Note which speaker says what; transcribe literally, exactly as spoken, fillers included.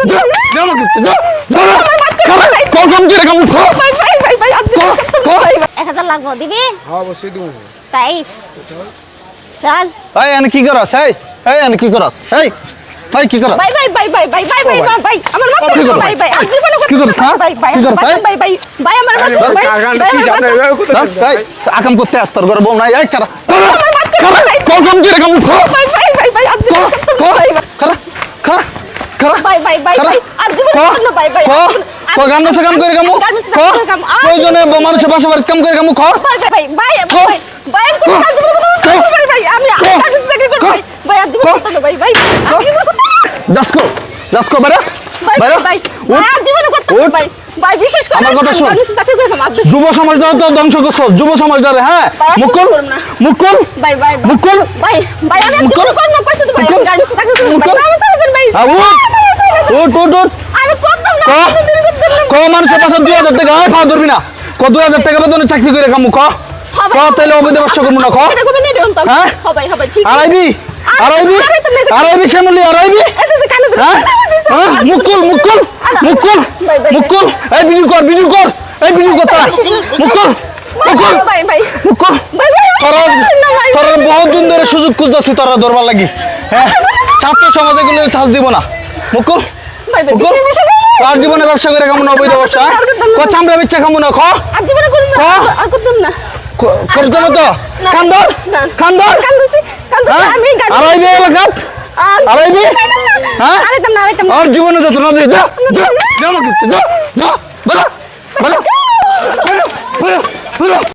Speaker 1: জামা কিনতে যা কম কম করে কাম কর
Speaker 2: ভাই ভাই ভাই ভাই আজ
Speaker 3: এক হাজার লাগবো দিবি?
Speaker 4: হ্যাঁ অবশ্যই দিব।
Speaker 3: তাই চল।
Speaker 1: এই আনি কি করছ এই এই আনি কি করছ এই ভাই কি করছ
Speaker 2: ভাই ভাই ভাই ভাই ভাই ভাই ভাই ভাই ভাই আমার মাথা
Speaker 1: কি করছ?
Speaker 2: ভাই ভাই আজ জীবনে
Speaker 1: কি করছ, হ্যাঁ?
Speaker 2: ভাই ভাই
Speaker 1: কি করছ,
Speaker 2: ভাই
Speaker 1: এই?
Speaker 2: ভাই ভাই ভাই আমার মাথা ভাই
Speaker 4: কাকান্ডা কি জানে
Speaker 1: এই আকাম করতে আস তোর ঘরে বউ নাই এই কারা কম কম করে কাম কর
Speaker 2: ভাই ভাই ভাই ভাই আজ জীবনে ভাই
Speaker 1: খারা খারা খারা
Speaker 2: ভাই ভাই ভাই ভাই আজ জীবনে না ভাই ভাই
Speaker 1: ক গান নাচ কাম করে কাম ক প্রয়োজনে মানুষের পাশে বাড়ি কাম করে কাম ক
Speaker 2: ভাই ভাই ভাই ভাই ভাই কোন কাজ করব ভাই ভাই আমি কাজ চাকরি করব ভাই ভাই আজ জীবনে করতে ভাই ভাই
Speaker 1: দাসকো দাসকো বেরা
Speaker 2: ভাই
Speaker 1: বেরা
Speaker 2: ভাই ভাই আজ জীবনে করতে ভাই ভাই বিশেষ করে
Speaker 1: আমার কথা শোন।
Speaker 2: আমি চাকরি করব আজ
Speaker 1: যুব সমাজ দ্বারা তো ধ্বংস করছ যুব সমাজ দ্বারা হ্যাঁ মুকুল মুকুল
Speaker 2: ভাই ভাই
Speaker 1: মুকুল
Speaker 2: ভাই ভাই আমি আজ জীবনে করব কইছ তো ভাই গাড়ি চাকরি করব ভাই আমি চলে যান ভাই
Speaker 1: উঠ উঠ উঠ
Speaker 2: আমি করতাম না
Speaker 1: ক
Speaker 2: দিন করতাম না
Speaker 1: ক মানুষের পাশে দুই হাজার টাকা হয় পাওয়া ধরবি না ক দুই হাজার টাকা বেতনে চাকরি করে কামু ক ক তাহলে অবৈধ ব্যবসা করবো না ক
Speaker 2: এটা কবে নেই দেন তো
Speaker 1: হ্যাঁ?
Speaker 2: হবে হবে ঠিক
Speaker 1: আড়াইবি আড়াইবি আড়াইবি শ্যামলি আড়াইবি
Speaker 2: এটা যে কানে
Speaker 1: হ্যাঁ হ্যাঁ মুকুল মুকুল মুকুল মুকুল এই ভিডিও কর ভিডিও কর এই ভিডিও কর তারা মুকুল মুকুল
Speaker 2: ভাই ভাই
Speaker 1: মুকুল
Speaker 2: ভাই ভাই
Speaker 1: তোরা তোরা বহুত দিন ধরে সুযোগ খুঁজতেছি তোরা ধরবার লাগি হ্যাঁ ছাত্র সমাজে গুলো চাষ দিব না মুকুল
Speaker 2: ভাই ভাই
Speaker 1: মুকুল তোর জীবনে ব্যবসা করে কেমন অবৈধ ব্যবসা ক চামড়া বিচ্ছা কেমন খ
Speaker 2: আজ জীবনে করব না আর করতাম না
Speaker 1: করতে না তো খান্দর খান্দর
Speaker 2: কান্দছি কান্দছি আমি গাড়ি
Speaker 1: আড়াইবি এলাকাত আড়াইবি হ্যাঁ
Speaker 2: আরেকদম না আরেকদম
Speaker 1: আর জীবনে যত না দিয়ে যা জামা কিনতে যা যা বলা বলা